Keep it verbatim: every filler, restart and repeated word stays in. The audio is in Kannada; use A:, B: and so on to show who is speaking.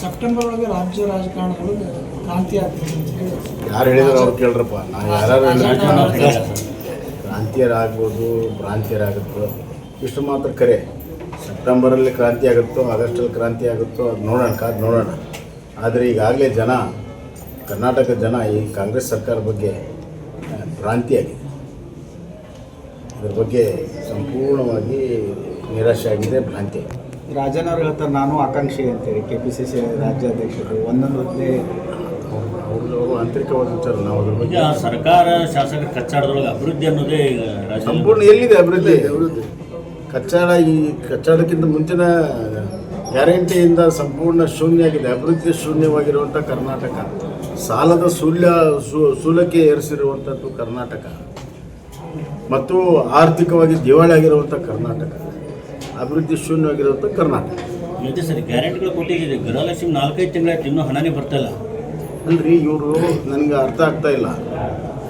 A: ಸೆಪ್ಟೆಂಬರ್ ಒಳಗೆ ರಾಜ್ಯ ರಾಜಕಾರಣದೊಳಗೆ ಕ್ರಾಂತಿ ಆಗ್ತದೆ ಅಂತ ಹೇಳಿ
B: ಯಾರು ಹೇಳಿದ್ರು ಅವ್ರು ಕೇಳ್ರಪ್ಪ. ನಾವು ಯಾರು ಕ್ರಾಂತಿಯರಾಗ್ಬೋದು, ಭ್ರಾಂತಿಯರಾಗುತ್ತೋ, ಇಷ್ಟು ಮಾತ್ರ ಕರೆ. ಸೆಪ್ಟೆಂಬರಲ್ಲಿ ಕ್ರಾಂತಿ ಆಗುತ್ತೋ, ಆಗಸ್ಟಲ್ಲಿ ಕ್ರಾಂತಿ ಆಗುತ್ತೋ, ಅದು ನೋಡೋಣ, ಕಾದು ನೋಡೋಣ. ಆದರೆ ಈಗಾಗಲೇ ಜನ, ಕರ್ನಾಟಕದ ಜನ ಈ ಕಾಂಗ್ರೆಸ್ ಸರ್ಕಾರ ಬಗ್ಗೆ ಭ್ರಾಂತಿಯಾಗಿದೆ. ಇದ್ರ ಬಗ್ಗೆ ಸಂಪೂರ್ಣವಾಗಿ ನಿರಾಶೆ ಆಗಿದೆ, ಭ್ರಾಂತಿ ಆಗಿದೆ.
C: ರಾಜನ್ ಅವ್ರು ಹೇಳ್ತಾರೆ ನಾನು ಆಕಾಂಕ್ಷಿ ಅಂತೇಳಿ ಕೆ ಪಿ ಸಿ ಸಿ ರಾಜ್ಯಾಧ್ಯಕ್ಷರು ಒಂದೊಂದು ಹೊತ್ತೇ
B: ಅವರು ಅವರು ಆಂತರಿಕವಾದ ವಿಚಾರ. ನಾವು ಅದ್ರ ಬಗ್ಗೆ
D: ಸರ್ಕಾರ ಶಾಸಕರ ಕಚ್ಚಾಡದೊಳಗೆ ಅಭಿವೃದ್ಧಿ ಅನ್ನೋದೇ ಈಗ ರಾಜ್ಯ
B: ಸಂಪೂರ್ಣ ಎಲ್ಲಿದೆ ಅಭಿವೃದ್ಧಿ? ಅಭಿವೃದ್ಧಿ ಕಚ್ಚಾಡ, ಈ ಕಚ್ಚಾಡಕ್ಕಿಂತ ಮುಂಚಿನ ಗ್ಯಾರಂಟಿಯಿಂದ ಸಂಪೂರ್ಣ ಶೂನ್ಯ ಆಗಿದೆ. ಅಭಿವೃದ್ಧಿ ಶೂನ್ಯವಾಗಿರುವಂಥ ಕರ್ನಾಟಕ, ಸಾಲದ ಸೂಲ್ಯ ಸೂಲಕ್ಕೆ ಏರಿಸಿರುವಂಥದ್ದು ಕರ್ನಾಟಕ, ಮತ್ತು ಆರ್ಥಿಕವಾಗಿ ದಿವಾಳಿ ಆಗಿರುವಂಥ ಕರ್ನಾಟಕ, ಅಭಿವೃದ್ಧಿ ಶೂನ್ಯವಾಗಿರುವಂಥ ಕರ್ನಾಟಕ.
D: ಮತ್ತೆ ಸರಿ ಗ್ಯಾರಂಟಿಗಳು ಕೊಟ್ಟಿದ್ದೀರಿ, ಗೃಹಲಕ್ಷ್ಮಿ ನಾಲ್ಕೈದು ತಿಂಗಳಾಯ್ತು ಇನ್ನೂ ಹಣನೇ ಬರ್ತಾಯಿಲ್ಲ.
B: ಅಲ್ರಿ, ಇವರು ನನಗೆ ಅರ್ಥ ಆಗ್ತಾ ಇಲ್ಲ.